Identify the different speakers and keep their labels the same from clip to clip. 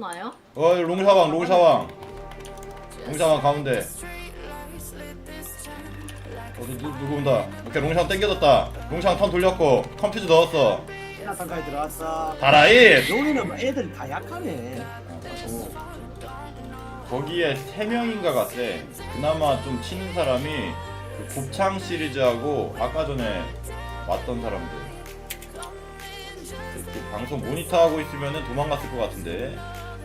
Speaker 1: 오나요?
Speaker 2: 롱샤왕 롱샤왕 가운데. 누구 온다. 오케이 롱샤왕 땡겨졌다. 롱샤왕 턴 돌렸고 컴퓨즈 넣었어.
Speaker 3: 야상까지 들어왔어.
Speaker 2: 다라잇.
Speaker 3: 여기는 뭐 애들 다 약하네.
Speaker 2: 거기에 3명인가 같대. 그나마 좀 치는 사람이 그 곱창 시리즈하고 아까 전에 왔던 사람들. 이렇게 방송 모니터하고 있으면은 도망갔을 것 같은데.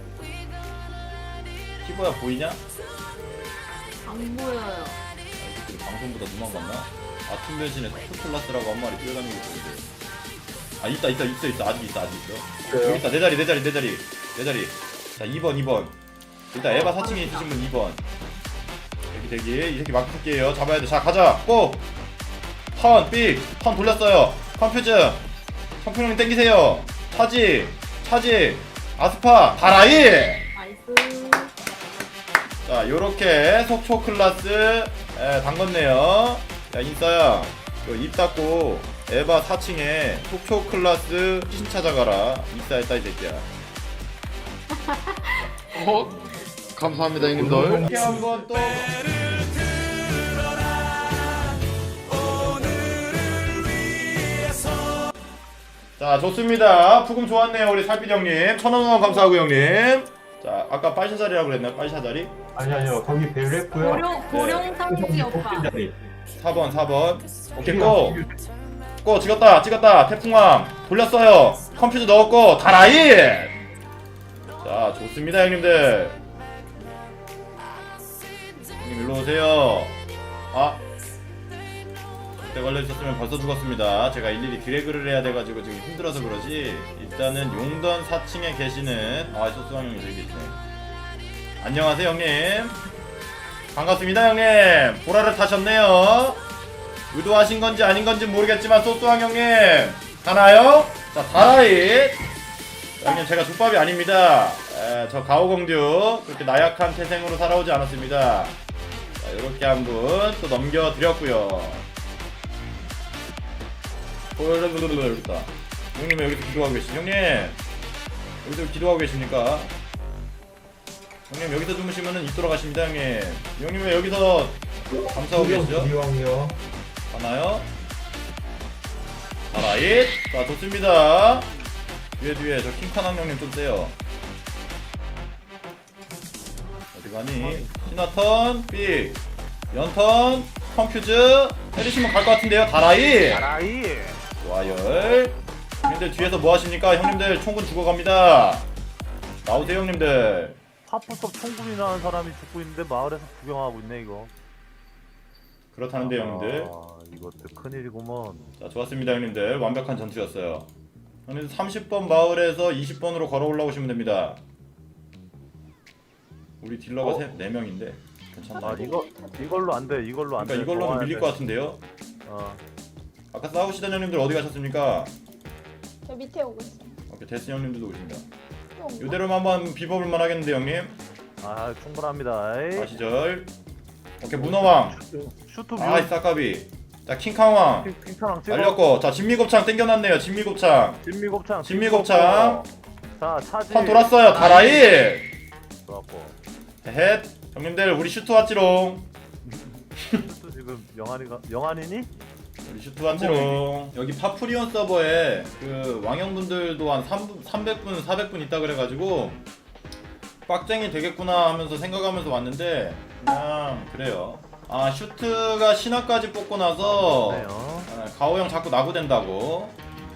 Speaker 2: 키보야 보이냐?
Speaker 1: 안 보여요.
Speaker 2: 이들이 방송보다 도망갔나? 아침 변신에 토플라스라고 한 마리 뛰어다니고 있는데. 아 있다 아직 있어.
Speaker 3: 그래요?
Speaker 2: 여기 있다. 내 자리. 자 2번. 일단 에바 4층에 있으신 분 2번. 대기. 이 새끼 마크 새끼예요. 잡아야 돼. 자 가자. 고! 턴 돌렸어요. 컴퓨즈. 성평님 땡기세요. 차지. 아스파. 다라이.
Speaker 1: 나이스.
Speaker 2: 자 요렇게 속초 클라스 담궜네요. 야 인싸야 입 닫고 에바 4층에 속초 클라스 신 찾아가라. 인싸했다 이 새끼야.
Speaker 4: 감사합니다 형님들.
Speaker 2: 이렇게 한번 또 자 좋습니다. 푸금 좋았네요 우리 살빛 형님. 1000원 후원 감사하고 형님. 자 아까 빨샤 자리라고 그랬나요? 빨샤 자리?
Speaker 5: 아니요 거기 배려했고요.
Speaker 1: 고룡 상지 오빠.
Speaker 2: 4번 오케이 고 찍었다 태풍왕 돌렸어요. 컴퓨터 넣었고 다라잇. 자 좋습니다 형님들. 형님 일로 오세요. 그때 걸려있었으면 벌써 죽었습니다. 제가 일일이 드래그를 해야 돼가지고 지금 힘들어서 그러지. 일단은 용던 4층에 계시는 소스왕 형님 저기 계시네. 안녕하세요 형님. 반갑습니다 형님. 보라를 타셨네요. 의도하신 건지 아닌 건지 모르겠지만 소스왕 형님 가나요? 자 다라잇. 형님 제가 족밥이 아닙니다. 저 가오공듀 그렇게 나약한 태생으로 살아오지 않았습니다. 자 요렇게 한 분 또 넘겨드렸고요. 여기다. 형님 왜 여기서 기도하고 계시? 형님 여기서 기도하고 계십니까? 형님 여기서 주무시면은 입 돌아가십니다 형님. 형님 왜 여기서 감사하고 계시죠?
Speaker 5: 이왕이요.
Speaker 2: 하나요? 다라잇. 자 좋습니다. 뒤에 저 킹카남 형님 좀 세요. 어디 가니? 신화턴 삑 연턴 컴퓨즈 때리시면 갈 것 같은데요. 다라잇. 좋아요. 형님들 뒤에서 뭐 하십니까? 형님들 총군 죽어갑니다. 나오세요 형님들.
Speaker 6: 하프섭 총군이 나는 사람이 죽고 있는데 마을에서 구경하고 있네 이거.
Speaker 2: 그렇다는데 형님들.
Speaker 6: 이것도 큰일이구먼.
Speaker 2: 자 좋았습니다 형님들. 완벽한 전투였어요. 형님들 30번 마을에서 20번으로 걸어 올라오시면 됩니다. 우리 딜러가 4명인데 괜찮나?
Speaker 6: 이걸로 안 돼. 이걸로 안 돼.
Speaker 2: 그러니까 이걸로는 밀릴 것 같은데요? 아까 싸우시던 형님들 어디 가셨습니까?
Speaker 7: 저 밑에 오고 있어.
Speaker 2: 오케이 데스 형님들도 오신다.
Speaker 7: 또
Speaker 2: 이대로만 한번 비법을만 하겠는데 형님?
Speaker 6: 충분합니다. 에이.
Speaker 2: 시절. 오케이 문어왕.
Speaker 6: 슈트 뷰.
Speaker 2: 아이 싸까비. 자 킹캉왕
Speaker 6: 킹타랑 찍어.
Speaker 2: 날렸고. 자 진미곱창 땡겨놨네요. 진미곱창.
Speaker 6: 진미곱창. 자 차지.
Speaker 2: 턴 돌았어요. 다라잇.
Speaker 6: 좋았고.
Speaker 2: 헤헷. 형님들 우리 슈트 왔지롱.
Speaker 6: 슈트 지금 영환이니?
Speaker 2: 우리 슈트 왔지롱. 여기 파프리온 서버에 그 왕형분들도 한 300분 400분 있다 그래가지고 빡쟁이 되겠구나 하면서 생각하면서 왔는데 그냥 그래요. 슈트가 신화까지 뽑고 나서 가오형 자꾸 나구된다고.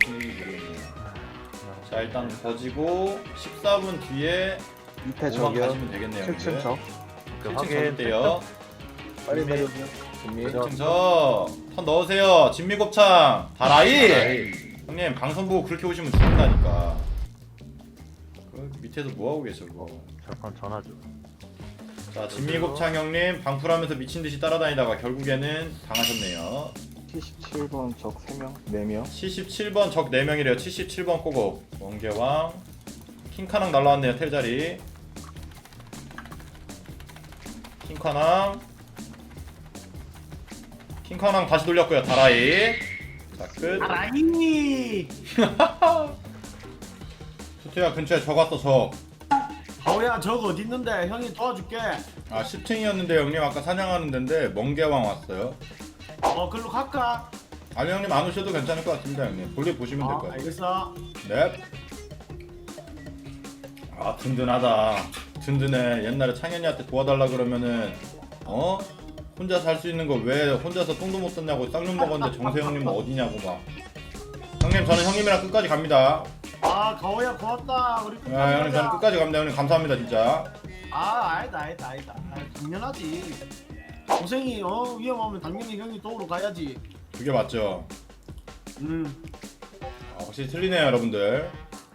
Speaker 2: 자 일단 거지고 14분 뒤에
Speaker 4: 밑에
Speaker 2: 5만
Speaker 4: 저기요.
Speaker 2: 가시면 되겠네요.
Speaker 4: 7층 저.
Speaker 2: 7층 가줄게요.
Speaker 4: 빨리 내려오세요.
Speaker 2: 1층 턴 넣으세요. 진미곱창 다라잇. 형님 방송 보고 그렇게 오시면 죽는다니까. 그 밑에서 뭐하고 계셔 그거.
Speaker 6: 잠깐 전화 좀.
Speaker 2: 자 진미곱창 형님 방풀하면서 미친듯이 따라다니다가 결국에는 당하셨네요.
Speaker 4: 77번 적 3명, 4명.
Speaker 2: 77번 적 4명이래요. 77번 꼬고 원개왕 킹카낭 날라왔네요. 텔자리 킹카낭 다시 돌렸고요. 다라이. 자 끝.
Speaker 3: 아라이.
Speaker 2: 수트야 근처에 적 왔어 적.
Speaker 3: 가오야 저거 어디 있는데 형이 도와줄게.
Speaker 2: 아 10층이었는데 형님 아까 사냥하는 데인데 멍게왕 왔어요.
Speaker 3: 글로 갈까?
Speaker 2: 아니 형님 안 오셔도 괜찮을 것 같습니다 형님. 볼일 보시면 될 것 같아요.
Speaker 3: 알겠어.
Speaker 2: 네. 아 든든하다. 든든해. 옛날에 창현이한테 도와달라 그러면은 혼자 살 수 있는 거 왜 혼자서 똥도 못 쌌냐고 쌍욕 먹었는데 정세형님은 어디냐고 막. 형님 저는 형님이랑 끝까지 갑니다.
Speaker 3: 가오야 고맙다. 우리 끝까지
Speaker 2: 형님 저는
Speaker 3: 가자.
Speaker 2: 끝까지 갑니다. 형님 감사합니다 진짜.
Speaker 3: 아니다. 당연하지. 고생이 위험하면 당연히 형이 도우러 가야지.
Speaker 2: 그게 맞죠. 확실히 틀리네요 여러분들.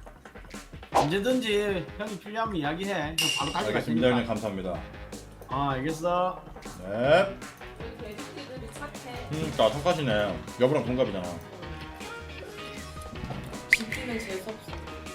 Speaker 3: 언제든지 형이 필요하면 이야기해. 형 바로 가져갈
Speaker 2: 알겠습니다 형님
Speaker 3: 테니까.
Speaker 2: 감사합니다.
Speaker 3: 알겠어.
Speaker 2: 네.
Speaker 1: 우리 개새끼들이 착해.
Speaker 2: 그러니까 착하시네. 여보랑 동갑이잖아.
Speaker 1: 지키면 재수없어.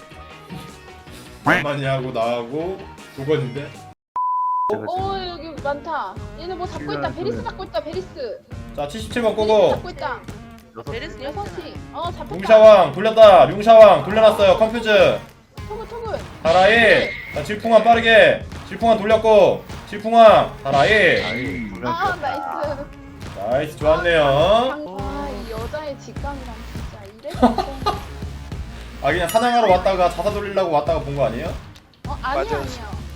Speaker 2: 많이 하고 나하고 두 번인데.
Speaker 7: 여기 많다. 얘네 뭐 잡고 있다. 베리스 잡고 있다. 베리스.
Speaker 2: 자 77번
Speaker 7: 베리스
Speaker 2: 꼬고.
Speaker 7: 잡고 있다.
Speaker 6: 베리스
Speaker 7: 6시. 잡혔다.
Speaker 2: 융샤왕 돌렸다. 융샤왕 돌려놨어요. 컴퓨즈.
Speaker 7: 토글.
Speaker 2: 다라이. 자 질풍왕 빠르게. 질풍왕 돌렸고. 질풍왕 다라이.
Speaker 7: 나이스.
Speaker 2: 나이스 좋았네요.
Speaker 7: 이 여자의 직감이랑 진짜 이래서.
Speaker 2: 그냥 사냥하러 왔다가 자사 돌리려고 왔다가 본 거 아니에요?
Speaker 7: 아니야.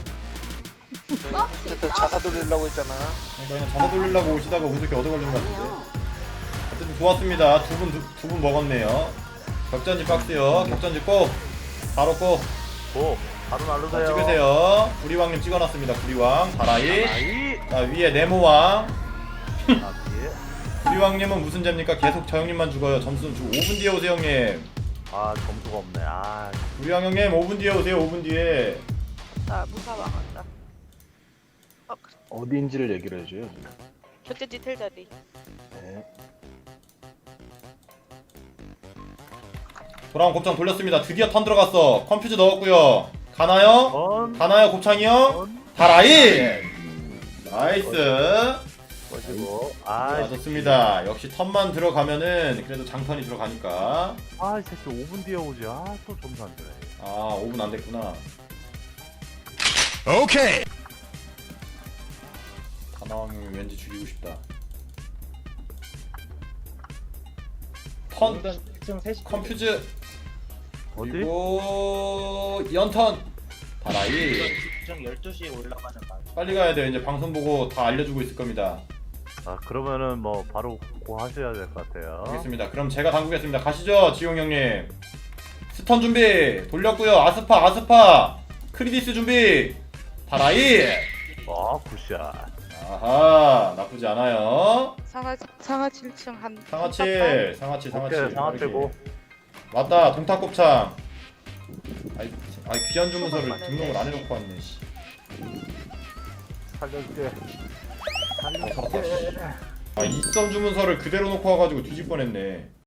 Speaker 8: 자사 돌리려고 했잖아.
Speaker 2: 그냥 자사 돌리려고 오시다가 운석이 얻어 걸린 것 같은데. 어쨌든 좋았습니다. 두 분 먹었네요. 격전지 박스요. 격전지 꼭. 바로 꼭.
Speaker 6: 바로
Speaker 2: 자,
Speaker 6: 날르세요.
Speaker 2: 찍으세요. 구리왕님 찍어놨습니다. 구리왕 다라이. 자 위에 네모왕. 구리왕님은 무슨 죄입니까? 계속 저 형님만 죽어요. 점수 주고 5분 뒤에 오세요 형님.
Speaker 6: 점수가 없네.
Speaker 2: 구리왕 형님 5분 뒤에 오세요. 5분 뒤에.
Speaker 9: 나 무사왕 한다.
Speaker 4: 어디인지를 얘기를 해줘요.
Speaker 9: 격전지 텔자리.
Speaker 4: 네.
Speaker 2: 돌아온 곱창 돌렸습니다. 드디어 턴 들어갔어. 컴퓨즈 넣었고요. 가나요? 가나요 곱창이요? 다라이. 나이스.
Speaker 6: 멋지고.
Speaker 2: 좋습니다. 역시 턴만 들어가면은 그래도 장턴이 들어가니까.
Speaker 6: 이 새끼 5분 뒤에 오지. 또 점수 안 되네.
Speaker 2: 5분 안 됐구나.
Speaker 8: 오케이.
Speaker 2: 가나왕이 왠지 죽이고 싶다. 턴 컴퓨즈
Speaker 6: 어디?
Speaker 2: 그리고 연턴 다라이.
Speaker 3: 12시에 올라가는 말.
Speaker 2: 빨리 가야 돼요. 이제 방송 보고 다 알려주고 있을 겁니다.
Speaker 6: 그러면은 뭐 바로 고 하셔야 될 것 같아요.
Speaker 2: 알겠습니다. 그럼 제가 당구겠습니다. 가시죠 지용 형님. 스턴 준비 돌렸고요. 아스파 크리디스 준비 다라이.
Speaker 6: 굿샷.
Speaker 2: 아하 나쁘지 않아요.
Speaker 9: 상하 7층 한.
Speaker 2: 상하치
Speaker 6: 오케이, 상하 빼고.
Speaker 2: 맞다 동탁곱창. 아이 귀한 주문서를 등록을 안 해놓고 왔네. 씨.
Speaker 6: 살려줄게.
Speaker 2: 입선 주문서를 그대로 놓고 와가지고 뒤질 뻔했네.